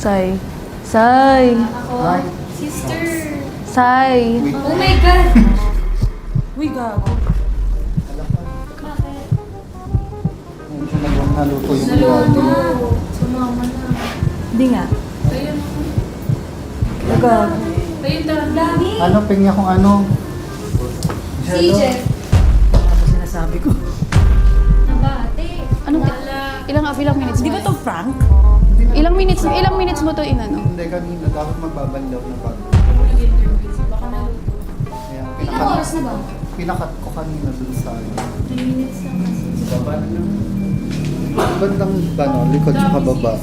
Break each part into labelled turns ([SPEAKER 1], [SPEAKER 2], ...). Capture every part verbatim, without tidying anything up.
[SPEAKER 1] Sai. Sai.
[SPEAKER 2] Ay,
[SPEAKER 3] Sister.
[SPEAKER 1] Sai.
[SPEAKER 2] wait.
[SPEAKER 3] Oh my God.
[SPEAKER 1] Uy, gago.
[SPEAKER 3] Bakit?
[SPEAKER 2] Hindi siya nagawang naluto yung
[SPEAKER 3] Naloko.
[SPEAKER 2] ugali.
[SPEAKER 3] Sumama na.
[SPEAKER 1] Hindi nga.
[SPEAKER 3] Ayun.
[SPEAKER 1] Gago.
[SPEAKER 3] Ayun talaga. Dami.
[SPEAKER 2] Ano, pengi akong ano?
[SPEAKER 3] Si Jeff.
[SPEAKER 4] Ano sinasabi ko?
[SPEAKER 3] Nabate.
[SPEAKER 1] Anong,
[SPEAKER 3] Wala.
[SPEAKER 1] ilang, ilang minutes
[SPEAKER 4] Di
[SPEAKER 1] mo?
[SPEAKER 4] ba to prank?
[SPEAKER 1] Ilang minutes, ilang minutes mo to inano?
[SPEAKER 2] Hindi, kanina. Dapat magbabandaw na pag.
[SPEAKER 3] Nag-interview. Baka naluto.
[SPEAKER 2] Kaya
[SPEAKER 3] Ilang
[SPEAKER 2] pinakat,
[SPEAKER 3] oras na ba?
[SPEAKER 2] pinakat ko kanina dun sa ano.
[SPEAKER 3] three minutes lang kasi.
[SPEAKER 2] Sa baba na lang. Bandang ano, likod sa baba.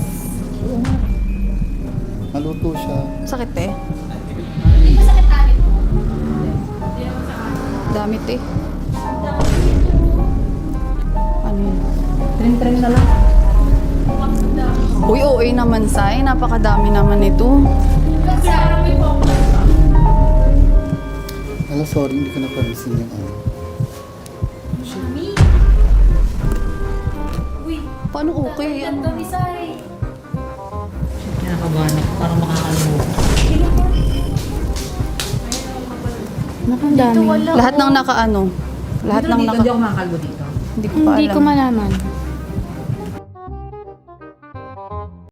[SPEAKER 2] Naluto siya.
[SPEAKER 1] Sakit eh.
[SPEAKER 3] Hindi ba sakit tayo? Hindi naman sakit.
[SPEAKER 1] Damit eh. Ano yun?
[SPEAKER 4] Trim-trim na lang.
[SPEAKER 1] Uy, O A naman, Sai. Napakadami naman ito.
[SPEAKER 3] Kasi parang may focus.
[SPEAKER 2] Ala, sorry, hindi ko napansin yung ano.
[SPEAKER 3] Mami. Uy.
[SPEAKER 1] Paano okay?
[SPEAKER 3] Ang
[SPEAKER 1] Ano?
[SPEAKER 3] dami Sai.
[SPEAKER 4] Kinakabahan ako. Parang makakalimutan.
[SPEAKER 1] Nakang dami.
[SPEAKER 3] wala,
[SPEAKER 1] Lahat
[SPEAKER 3] oh.
[SPEAKER 1] ng nakaano. Lahat
[SPEAKER 4] Dito
[SPEAKER 1] ng
[SPEAKER 4] dito,
[SPEAKER 1] naka...
[SPEAKER 4] Hindi ako makakalbo dito.
[SPEAKER 1] Hindi ko pa
[SPEAKER 3] Hindi
[SPEAKER 1] alam.
[SPEAKER 3] ko malaman.